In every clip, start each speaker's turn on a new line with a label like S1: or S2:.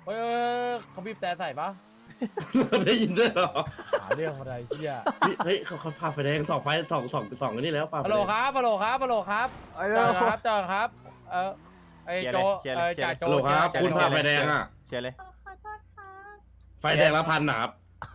S1: เฮ้ยเขาบีบแต่ใส่ปะ
S2: ได้ยินด้วยเหรอ
S1: หาเรื่องอะไรเฮีย
S2: เฮ้ยเขาพาไฟแดงสองไฟสองกันนี่แล้วป่ะ
S1: ฮัลโหลครับฮัลโหลครับฮัลโหลครับ
S3: ไอ้
S1: จ
S3: เรื่
S1: อ
S3: อง
S1: ครับจอครับไอ้โจจ่าโจ
S2: ฮัลโหลครับคุณพาไฟแดงอ่ะ
S3: เชียร์เลย
S4: ขอโทษครับ
S2: ไฟแดงละพันนะครับ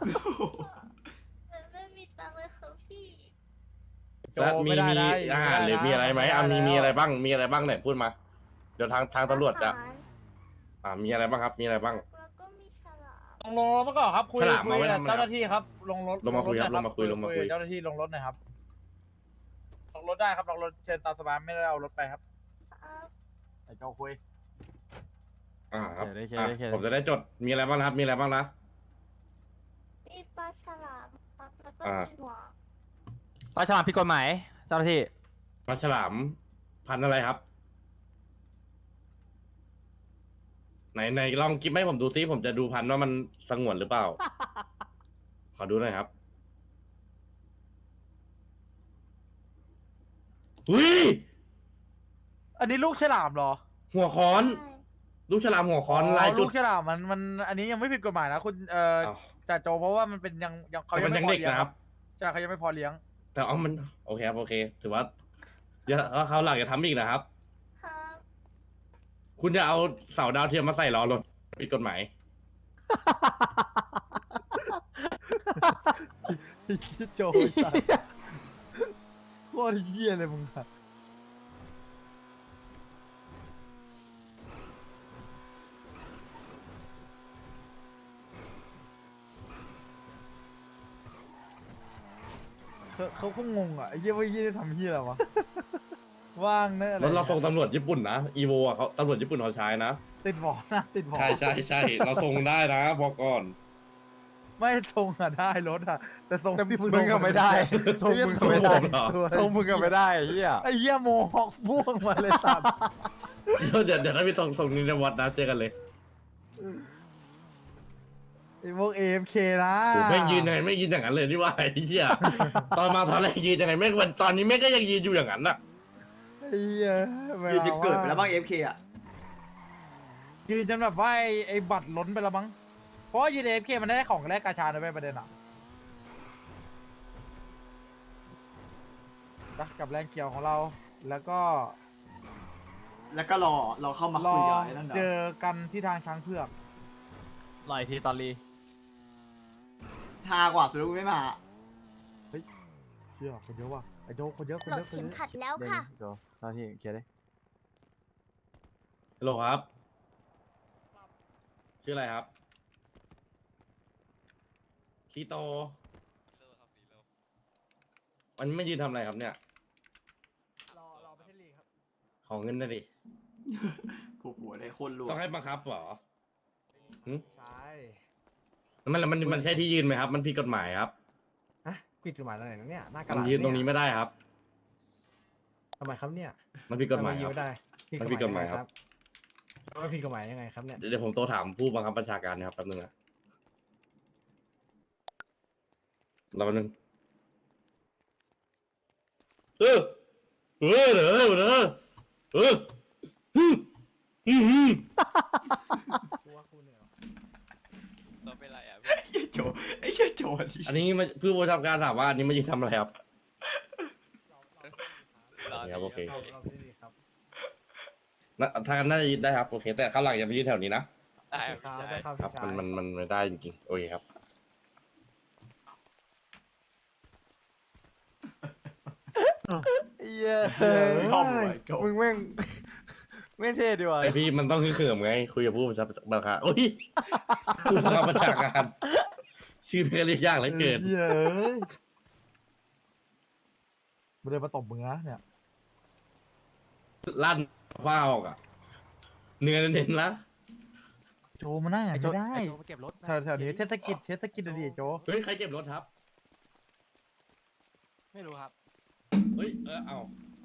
S4: ไม่มีตังค์เลยครับพี่
S1: โจ
S2: แล้วมี
S1: ไม่ได้
S2: มี
S1: นะ
S2: อาหารหรือมีอะไรไหมมีอะไรบ้างมีอะไรบ้างไหนพูดมา เดี๋ยวทางตำรวจจะ
S4: อาหาร
S2: มีอะไรบ้างครับมีอะไรบ้าง
S4: แล้วก็มีฉลาม
S1: ลงรถมาก่อนครับคุย
S2: ฉลามมาไว้
S1: กับ
S2: ทำไม
S1: เจ้าหน้าที่ครับลงรถ
S2: ลงมาคุยครับ
S1: หน่อ
S2: ลงมาคุยลงมาคุย
S1: เจ้าหน้าที่ลงรถหน่อยครับลงรถได้ครับลงรถเชิญตามสบายไม่ได้เอารถไปครับ
S4: ครับ
S1: ไอ้โจคุย
S2: ครับ
S3: เชียร์เลยเชียร์เลย
S2: ผมจะได้จดมีอะไรบ้างนะครับ มีอะไรบ้างนะ
S4: มีปลาฉลามครับแล้วก็
S2: อ่า
S4: มีหัว
S3: ปลาฉลามผิดกฎหมายเจ้าหน้าที่
S2: ปลาฉลามพันธุ์อะไรครับ ไหนลองกิฟให้ผมดูซิผมจะดูพันธุ์ว่ามันสงวนหรือเปล่า ขอดูหน่อยครับอุ้ย
S1: อันนี้ลูกฉลามเหรอ
S2: หัวค้อน
S4: ใช่
S2: ลูกฉลามหัวค้อนลายจุ
S1: ลู
S2: ด
S1: กฉลามมันอันนี้ยังไม่ผิดกฎหมายนะคุณ
S2: อ้าว
S1: จ่าโจเพราะว่ามันเป็นยังเขา
S2: แต่
S1: ยั
S2: มัน
S1: ง
S2: ยั
S1: ไม่
S2: ง
S1: พอ
S2: เด็ก
S1: เลี้ยง
S2: นะครับ
S1: ใช่เขายังไม่พอเลี้ยง
S2: แต่มันโอเคครับโอเค ถือว่าเดี๋ยวเขาหลักจะทำอีกนะครับ
S4: ครับ
S2: คุณจะเอาเสาดาวเทียมมาใส่ล้อรถผิดกฎหมาย
S1: โจสัตว์โคตรเหี้ยเลยมึงอะเขาก็งงอ่ะไอ้เหี้ยว่าเหี้ยจะทำเหี้ยอะไรวะ ว่างเนอะอะไร
S2: รถเราส่งตำรวจญี่ปุ่นนะอีโวอ่ะเขาตำรวจญี่ปุ่นเขาใช้นะ
S1: ติดหมอนะติดหมอ
S2: ใช่เราส่งได้นะบอกก่อน
S1: ไม่ทรงอ่ะได้รถอ่ะ แต่ทรง
S3: แต่
S1: ที่
S3: มึงก็ไม่ได้ทรงมึงก็ไม่ได้ ทรงมึงก็ไม่ได้ไอ้เฮีย
S1: ไอ้เหี้ยโมฮอกม่วงมาเลยสัตว์
S2: เดี๋ยวถ้าพี่ส่งนินวัดนะเจอกันเลย
S1: ไอ้พวก AFK นะ
S2: โอ้ไม่ยืนยังไงไม่ยืนอย่างนั้นเลยนี่ว่าไอ้เหี้ยตอนมาตอนแรกยืนยังไงไม่วันตอนนี้แม่งก็ยังยืนอยู่อย่างนั้นน่ะ
S1: ไอ้เหี้ยไม่
S5: ยืนจะ
S1: อา
S5: เกิดไปแล้วบ้าง FK อ่ะ
S1: ยืนจนแบบว่าไอ้บัตรล้นไปแล้วมั้งเพราะว่ายืน AFK มันได้ของแรกกาชาด้วยประเด็นอ่ะนะกับแรงเขียวของเรา แล้วก็
S5: แล้วก็รอเข้ามา
S1: ร
S5: คุ
S1: อย
S5: กับไอ้นั่น
S1: เจ
S5: เดี๋ยว
S1: อกันที่ทางช้างเผือก
S3: ลอยทีตอนรี
S5: ทากว่าสุดแล้วกูไม่มา
S1: เชื่อคนเยอะว่ะไอ้โจคนเยอะคน
S4: โหล
S1: เย
S4: ด
S1: อะคน
S4: เข็ม
S1: เยอะ
S4: ขัดแล้ว
S3: เดี๋ยว
S4: ค่ะ
S3: นี้เดี๋ยวเจ้าหน้าที่เชียร์เลย
S2: ฮัลโหลครับ ชื่ออะไรครับคีโตวันนี้ไม่ยืนทำอะไรครับเนี่ย
S1: รอประเทศลีกครับ
S2: ขอเงินหน่อยดิ
S5: ผูกหัวได้โคนรว
S2: ต้
S5: ย
S2: องให้บังคับเหรอ
S1: ใช่
S2: มันใช่ที่ยืนไหมครับ มันผิดกฎหมายครับ
S6: ฮะผิดกฎหมายอะไรนะเนี่ยหน้ากระ
S2: มัน
S6: ดาษ
S2: ยืนตรงนี้ไม่ได้ครับ
S6: ทำไมครับเนี่ย
S2: มันผิดกฎหมาย
S6: ทำไยื
S2: คน รับ
S6: ไม่ได้
S2: มันผิดกฎหมายครับ
S6: มันผิดกฎหมายยังไงครับเนี่ย
S2: เดี๋ยวผมโทรถามผู้บังคับบัญชาการนะครับแป๊บนึงนะรอแป๊บนึงเออเออเออเออเออ
S5: ไอ้โจไอ้เหี้ยโจดิ
S2: อันนี้มาผู้บังคับการถามว่าอันนี้มายืนทำอะไรครับครับโอเค
S6: เราประเทศลีกครับ
S2: ทางนั้นน่าจะยืนได้ครับโอเค แต่ข้างหลังอย่าไปยืนแถวนี้นะ
S6: ได้ครับได้ครับ
S2: ครับ
S6: พี่ชาย
S2: มันไม่ได้จริงๆโอเคครับ
S3: เฮีย
S5: ชอบหัวไอ้โจ
S3: มึงแม่งไม่เท่ดีว่ะ
S2: ไอพี่มันต้องคือเขิมไงคุยกับผู้บังคับบัญชาการโอ้ยผู้บังคับบัญชาการชื่อเพลงเรียกยากเหลือเกิน
S1: เหี้ยเอ้ยมันเลยมาตบมึงนะเนี่ย
S2: ลั่นฟ้าออกอ่ะเนื้อเน้นๆละ
S1: โจมานั่งอ่ะ
S3: ไอ้โจ
S1: ไม่ได้
S3: ไอ้โจมาเก็บรถ
S1: แถวนี้เทศกิจอะดิโจ
S2: เฮ้ยใครเก็บรถครับ
S3: ไม่รู้ครับ
S2: เฮ้ยเอา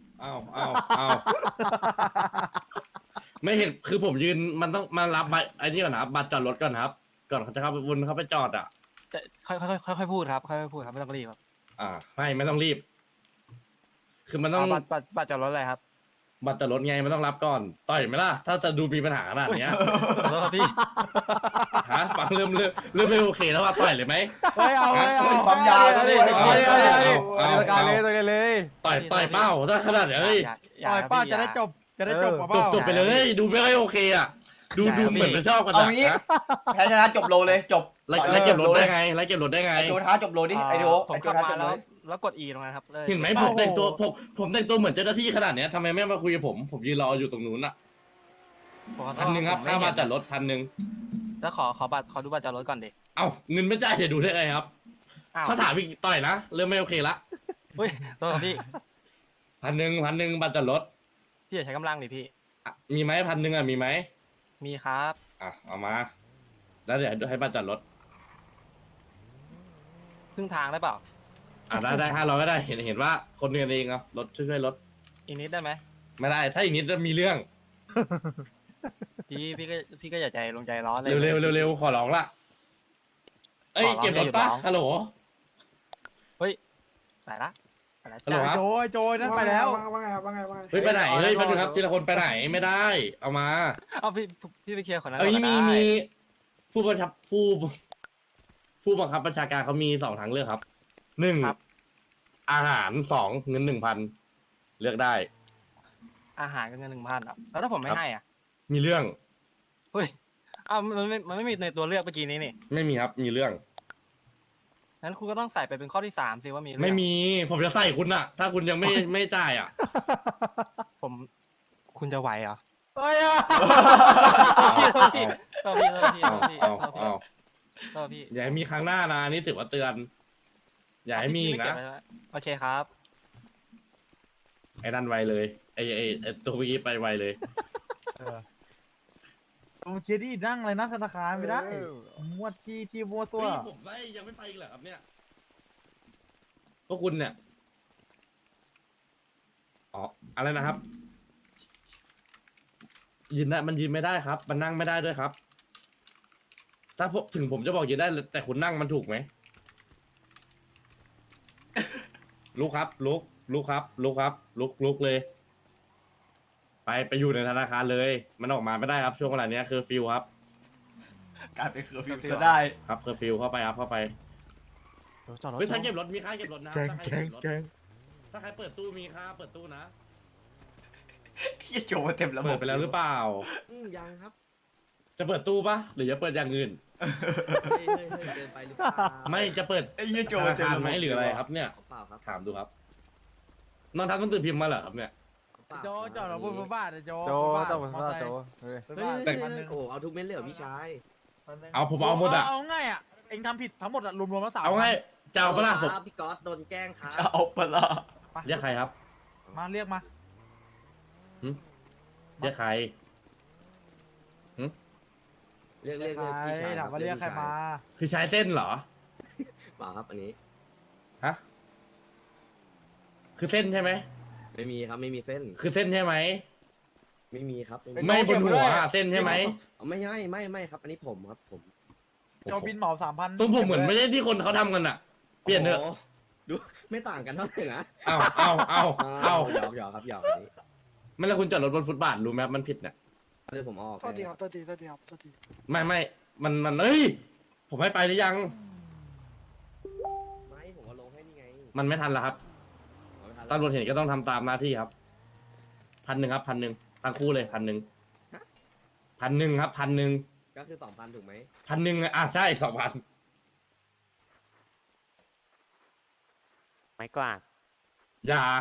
S2: ไม่เห็นคือผมยืนมันต้องมารับใบไอ้นี่ก่อนนะครับบัตรจอดรถก่อนครับ ก่อนเขาจะเข้าไปวนเข้าไปจอดอ่ะ
S3: แต่ค่อยพูดครับค่อยพูดครับไม่ต้องรีบครับ
S2: ไม่ต้องรีบ คือมันต้อง
S3: บัตรจอดรถอะไรครับ
S2: บัตรจอดรถไงมันต้องรับก่อนต่อยไหมล่ะถ้าจะดูมีปัญหาขนาดเนี้ย
S6: ขอโทษครับพี่
S2: ฮะฟังเริ่มไม่โอเคแล้วว่าต่อยเลยไหม
S1: เฮ้ยเอาเลยเอา
S5: ปั๊มยาด้วย
S2: เอา
S3: ตะการเลยตะการเลย
S2: ต่อยเป้าถ้าขนาดเอ้ย
S1: ปล่อยป้าจะได้จบกับ
S2: จ
S1: เป้า
S2: บไปเลย ดูไม่ค่อยโอเคอ่ะดูเหมือนจะชอบกัน
S5: เอางี้
S2: นะ
S5: แพ้ชนะจบโลเลยจบ
S2: แล้วเก็บรถได้ไงแล้วเก็บรถได้ไง
S5: ไอโจท้าจบโลดิไอโจ
S6: ผม
S5: ไอโจ
S6: ขับ
S5: ท้า
S6: มา
S5: จบโล
S6: แล้วกด E ตรงนั้นครับเลย
S2: เห็นไหมผมแต่งตัวผมแต่งตัวเหมือนเจ้าหน้าที่ขนาดเนี้ยทำไมไม่มาคุยกับผมยืนรออยู่ตรงนู้นอ่ะ
S6: ผมขอโทษ
S2: 1,000ครับ
S6: ผม
S2: ค่า
S6: ไเห็
S2: มาน จัดรถ1,000
S6: แล้วขอดูบัตรจอดรถก่อนดิ
S2: เอ้าเงินไม่จ่ายจะดูได้ไงครับ
S6: อ้าว
S2: ถ้าถามอีกต่อยนะเริ่มไม่โอเคละ
S6: เฮ้ยโทษครับพี่
S2: 1,000บัตรจัดรถ
S6: พี่อย่าใช้กำลังดิพี่
S2: อ่ะมีไหม1,000อ่ะมีไหม
S6: มีครับ
S2: อ่ะเอามาแล้วเดี๋ยวให้บัตรจัดรถ
S6: ครึ่งทางได้เปล่า
S2: อ่ะได้500ก็ได้เห็นว่าคนกันเองเอารถช่วยรถ
S6: อีกนิดได้ไหม
S2: ไม่ได้ถ้าอย่างนี้จะมีเรื่อง
S6: พี่ก็อย่าใจลงใจร้อนเลย
S2: เร็วขอร้องละเอ้ย
S6: ขอร้อง
S2: เก็บรถปะ
S6: อย่าร้อง
S2: ฮัลโหล
S6: ไปละไปละ
S2: ฮัลโหล
S6: จ้า
S2: ครับ
S1: โจนั่นไปแล้ว
S2: เฮ้ยไปไหนเฮ้ยมาดูครับทีละคนไปไหนไม่ได้ เอามา
S6: เอาพี่ไปเคลียร์คนนั้น
S2: เอ้ย
S6: ก่อนก็
S2: มี
S6: ได้
S2: ผู้บังคับผู้บังคับบัญชาการเขามี2ทางเลือกครับ1อาหาร2เงิน 1,000เลือกได้
S6: อาหารกับเงิน1,000อ่ะแล้วถ้าผมไม่ให้อ่ะ
S2: มีเรื่อง
S6: เฮ้ยอ้าวมันไม่มีในตัวเลือกเมื่อกี้นี้นี่
S2: ไม่มีครับมีเรื่อง
S6: งั้นคุณก็ต้องใส่ไปเป็นข้อที่3สิว่ามีเรื่อง
S2: ไม่มีผมจะใส่คุณอะถ้าคุณยังไม่จ่ายอะ
S6: คุณจะไหวเหรอ
S1: เฮ้ยอ่ะ
S6: โทษพี่โทษพี่โทษพี่
S2: เอา
S6: โทษพี่
S2: เอา
S6: โทษพี่
S2: อย่าให้มีครั้งหน้านะนี่ถือว่าเตือน อย่าให้มีอีกนะ
S6: โอเคครับ
S2: ไอ้นั่นไวเลยไอ้ตัวเมื่อกี้ไปไวเลย
S1: ผมคิดดินั่งอะไรนั่งธนาคารไม่ได้มวดที่มัวตัว
S2: เฮ้ยผมไม่ยังไม่ไปอีกเหรอครับเนี่ยพวกคุณเนี่ยอ๋ออะไรนะครับยืนได้มันยืนไม่ได้ครับ มันนั่งไม่ได้ด้วยครับ ถ้าถึงผมจะบอกยืนได้แต่คุณนั่งมันถูกไหม ลุกครับลุกครับลุกเลย ไปอยู่ในธนาคารเลย มันออกมาไม่ได้ครับช่วงเวลาเนี้ยคือฟิวครับ
S5: กลายเป็นเคอร์ฟิวซะได้
S2: ครับคือฟิวเข้าไปครับเข้าไป
S6: จอดรถ
S2: เฮ้ยถ้าเก็บรถมีค่าเก็บรถนะค
S3: แก
S2: รับ
S3: ง
S2: ถ้าใคร
S3: แกง
S2: เก็บรถ
S3: แกง
S2: ถ้าใครเปิดตู้มีค่าเปิดตู้นะ
S5: เฮียโจมาเต็มระบบ
S2: เปิดไปแล้วหรือเปล่า
S7: ยังครับ
S2: จะเปิดตู้ปะหรือจะเปิดอย่างอื่น
S7: เฮ้ยเกินไปหรือเปล่า
S2: ไม่จะเปิด
S5: ไอ้เฮียโจ
S2: ธ
S5: มา
S2: นา
S5: เต็ม
S2: คาร
S5: ระบบ
S2: ไหมหรืออะไรครับเนี่ย
S7: เปล่าครับ
S2: ถามดูครับนอนทันต้องตื่นพิมพ์มาเหรอครับเนี่ย
S7: เปล่า
S1: โจจอดรถบนฟุตบาทโจ
S3: โจต้องเป็นซาโจเฮ้ย
S1: ฟุตบาท
S2: แต่
S1: พันหนึ่ง
S7: โอ้โหเอาทุกเม็ดเลยเหรอพี่ชาย
S2: เอาผมเอาหมดอะ
S1: เอาง่ายอ่ะเองทำผิดทั้งหมดอะรวมๆแล้ว3,000
S2: เอาไงจะเอาปะล่ะผม
S7: ครับพี่ก๊อตโดนแกล้งครับ
S5: จะเอาปะล่ะ
S2: เรียกใครครับ
S1: มาเรียกมา
S2: เรียกใคร
S7: เรียก
S1: ใคร
S7: พี่ชาย
S1: ถามว่าเรียกใครมา
S2: คือใช้เส้นเหรอ
S7: เปล่าครับอันนี้
S2: ฮะคือเส้นใช่ไหม
S7: ไม่มีครับไม่มีเส้น
S2: คือเส้นใช่ไหม
S7: ไม่มีครับ
S2: ไม่บนหัวอะเส้นใช่ไหม
S7: ไม่ใช่ไม่ครับ อันนี้ผมครับผม
S1: โจบินเหมา3,000
S2: ทรงผมเหมือนไม่ใช่ที่คนเขาทำกันอะเปลี่ยนเถอะ
S7: โโหดูไม่ต่างกันเท่าไหร่นะ
S2: เอา
S7: หยอกครับหยอกอันนี้
S2: ไม่แล้วคุณจอดรถบนฟุตบาทรู้ไหมครับมันผิดเนี่ย
S7: อันนี้ผมออก
S8: โทษทีครับโทษทีโทษทีครับโทษที
S2: ไม่มันเอ้ยผมให้ไปหรือยัง
S7: ไม่ผมเอาลงให้นี่ไง
S2: มันไม่ทันแล้วครับ
S7: เอาไม่ทัน
S2: ตำรวจเห็นก็ต้องทำตามหน้าที่ครับ1,000ครับ1,000ทั้งคู่เลย1,000 1,000ครับ1,000
S7: ก็คือ2,000ถูกไหม
S2: 1,000อ่ะใช่2,000
S9: ไม่กวาด
S2: อย่า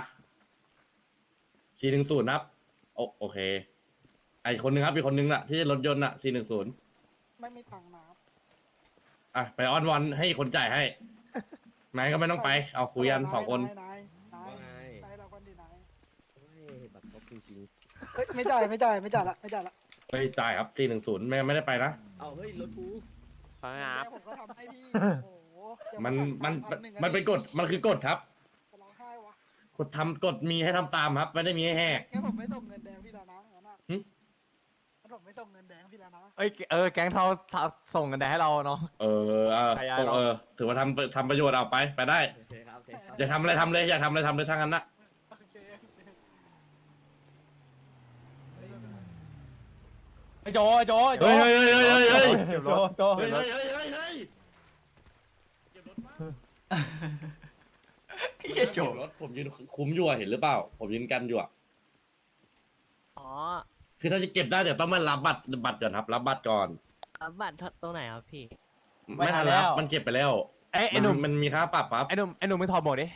S2: 410ครับโอเค ไอคนหนึงครับอีกคนหนึงน่ะที่รถยนต์น่ะ410
S8: ไม่มีตังค์นะครับ
S2: อ่ะไปอ้อนวอนให้คนจ่ายให้นายก็ไม่ต้องไป เอาคุยกัน2 คน
S8: นาย
S7: ว่าไง
S8: นายเราคนดีนาย
S7: เฮ้ยบัตรครบจริง
S8: เฮ้ยไม่จ่ายละ
S2: ไปจ่ายครับ410ไม่ได้ไปนะ
S7: ๆเอาเฮ้ยรถกู
S9: เพราะงั้น
S8: แม่ผมก็ทำให้พี่โอ้โหเดี๋ยว
S2: มัน
S8: 1,000
S2: มันเป็นกฎมันคือกฎครับ
S8: จะร้องไห้วะ
S2: กฎมีให้ทำตามครับ ไม่ได้มีให้แหก
S8: งั้นผมไม่ส่งเงินแดงพี่แล้วนะงั้นอะ
S2: หึ
S8: งั้นผมไม่ส่งเงินแดงพี่แล้วนะ
S3: เอ้ยแก๊งเทาส่งกันแดให้เราเนาะ
S2: ขยายถือว่าทำประโยชน์เอาไปได้
S7: โอเคครับโอเคครับ
S2: จะทำอะไรทำเลยอยากทำอะไรทำเลยทั้งนั้นนะ
S8: โอเค
S1: ไอ้โจไอ้โจไอ้โจ
S2: เฮ้ยเฮ้ยเฮ้ยเฮ้ยเฮ้ย
S1: โจโจ
S2: เฮ้ยเฮ้ยเฮ้ยเฮ้ยเฮ้ยเก็บรถมา
S5: ไอ้เหี้ยโจ
S2: เก็บรถผมยืนคุ้มอยู่อะเห็นหรือเปล่า ผมยืนกันอยู่อะ
S9: อ๋อ
S2: คือถ้าจะเก็บได้เดี๋ยวต้องมารับบัตรก่อนครับ รับบัตรก่อน
S9: รับบัตรตรงไหนครับพี่
S2: ไม่ทันแล้วมันเก็บไปแล้ว
S3: ไอ้หนุ่ม
S2: มันมีค่าปรับปั๊บ
S3: ไอ้หนุ่มไม่ถอดหมวกดิ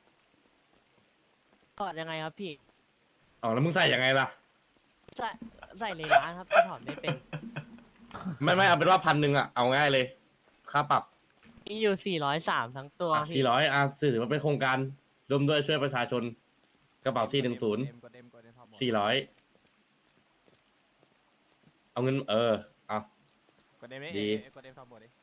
S9: ถอดยังไงครับพี่
S2: อ๋อแล้วมึงใส่ยังไงล่ะ
S9: ใส่ในร้านครับแต่ถอดไม่เป็น
S2: ไม่เอาเป็นว่า1,000อะเอาง่ายเลย ค่าปรับ
S9: มีอยู่403ทั้งตัวพี่
S2: 400ถือว่าเป็นโครงการรวมด้วยช่วยประชาชน กระเป๋า410 400เอาเงินเอา
S3: กดเดมดิ
S2: ดี
S3: กดเดมถอดหมวกดิ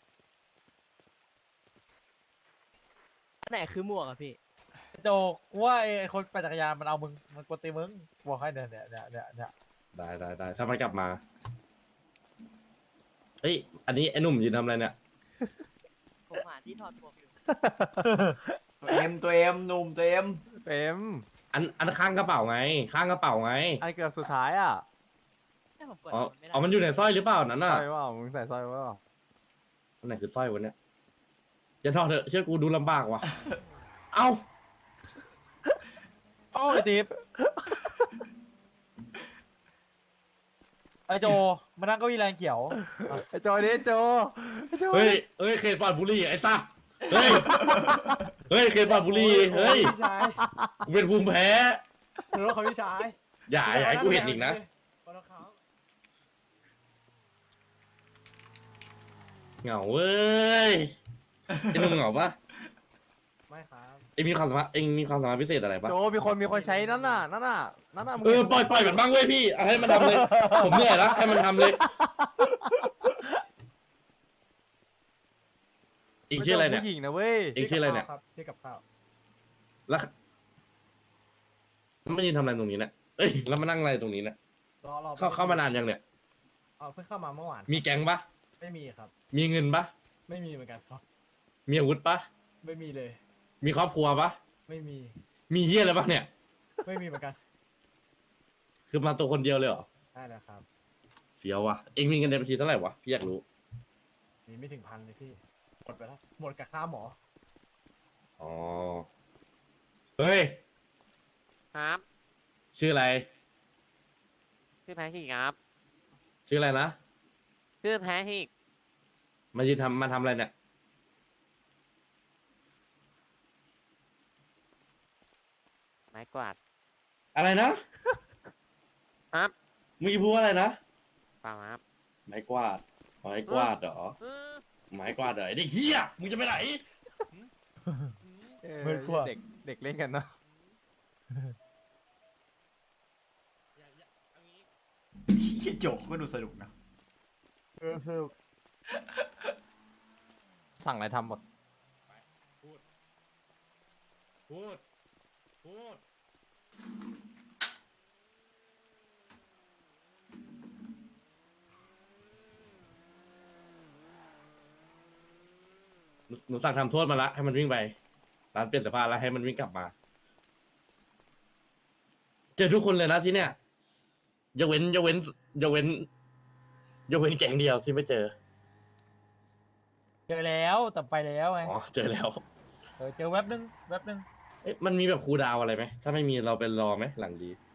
S9: อันไหนคือหมวกอะพี่
S1: โจกูว่าไอ้คนปั่นจักรยานมันเอามึงมันกวนตีมึงบอกให้เนี่ย
S2: ได้ถ้ามันกลับมาเอ้ยอันนี้ไอ้หนุ่มยืนทำอะไรเนี่ย
S9: ผมหาที่ถอดหมวกอยู่
S5: ตัวเอ็มหนุ่มตัวเอ็ม
S3: เต็ม
S2: อันข้างกระเป๋าไง ข้างกระเป๋าไง
S3: อันเกือบสุดท้ายอ่ะ
S9: ให้ผมเปิด
S2: อ๋อ
S9: ไม่ได้
S2: อ๋อมันอยู่ในสร้อยหรือเปล่านั้น
S3: สร้
S2: น่ะ
S3: อยว่ามึงใส่สร้อยว่า
S2: อันไหนคือสร้อยวะเนี่ยอย่าทอดเถอะเชื่อกูดูลำบากว่ะ เอ้า
S1: โอ้ไอ้ติ๊บไอ้โจมานั่งเก้าอี้แรงเขียว
S3: ไอ้โจดิโจไอ้โจ
S2: เฮ้ยเขตปลอดบุหรี่ไอ้สัสเฮ้ยเขตปลอดบุหรี่เฮ้ย
S1: พี่ชาย
S2: กูเป็นภูมิแพ้
S1: รถของพี่ชาย
S2: อย่าให้กูเห็นอีกนะ เหงาเว้ยไอ้หนุ่มเหงาปะ
S1: ไม่ครับ
S2: เอ็งมีความสามารถพิเศษอะไรปะ
S3: โจมีคนใช้นั่นน่ะมึง
S2: ปล่อยมันบ้างเว้ยพี่เอาให้มันทำเลย ผมเหนื่อยแล้วให้มันทำเลยอีกชื่ออะไรเนี่ย
S3: ผู้หญิงนะเว้ย
S2: เอ็งชื่ออะไรเนี่ย
S1: ครับที่กับข้าว
S2: แล้วมันยืนทำอะไรตรงนี้เนี่ยเอ้ยแล้วมานั่งอะไรตรงนี้เนี่ย
S1: รอ
S2: เข้ามานานยังเนี่ย
S1: เพิ่งเข้ามาเมื่อวาน
S2: มีแก๊งปะ
S1: ไม่มีครับ
S2: มีเงินปะ
S1: ไม่มีเหมือนกันครับ
S2: มีอาวุธปะ
S1: ไม่มีเลย
S2: มีครอบครัวปะ
S1: ไม่มี
S2: มีเฮียอะไรปะเนี่ย
S1: ไม่มีเหมือนกัน
S2: คือมาตัวคนเดียวเลยเหรอ
S1: ได้แล้วครับ
S2: เฟี้ยววะเอ็งมีเงินในบัญชีเท่าไหร่วะพี่อยากรู้
S1: มีไม่ถึง1,000เลยพี่หมดไปแล้วหมดกับค่าหมอ
S2: อ๋อเฮ้ย
S9: ครับ
S2: ชื่ออะไร
S9: ชื่อแพทิกครับ
S2: ชื่ออะไรนะ
S9: ชื่อแพทิก
S2: มาทำอะไรเนี่ย
S9: ไม้กวาด
S2: อะไรนะครับ เมื่อกี้พูดว่าอะไรนะ
S9: เปล่าครับ
S2: ไม้กวาดไม้กวาดเหรอไม้กวาดเหรอไอ้เด็กเฮียมึงจะไปไหน
S3: เด็กเล่นกันเนาะ
S5: เหี้ยโจก็ดูสนุกนะ
S3: สั่งอะไรทำหมด
S2: พูดหนูสั่งทำโทษมาละให้มันวิ่งไปร้านเปลี่ยนเสื้อผ้าแล้วให้มันวิ่งกลับมา เจอทุกคนเลยนะที่เนี่ยยกเว้นแก๊งเดียวที่ไม่เจอ
S1: เจอแล้วแต่ไปแล้วไง
S2: อ๋อเจอแล้ว
S1: เจอแว็บนึง
S2: เอ๊ะมันมีแบบคูลดาวน์อะไรไหมถ้าไม่มีเราไปรอไหมหลังดี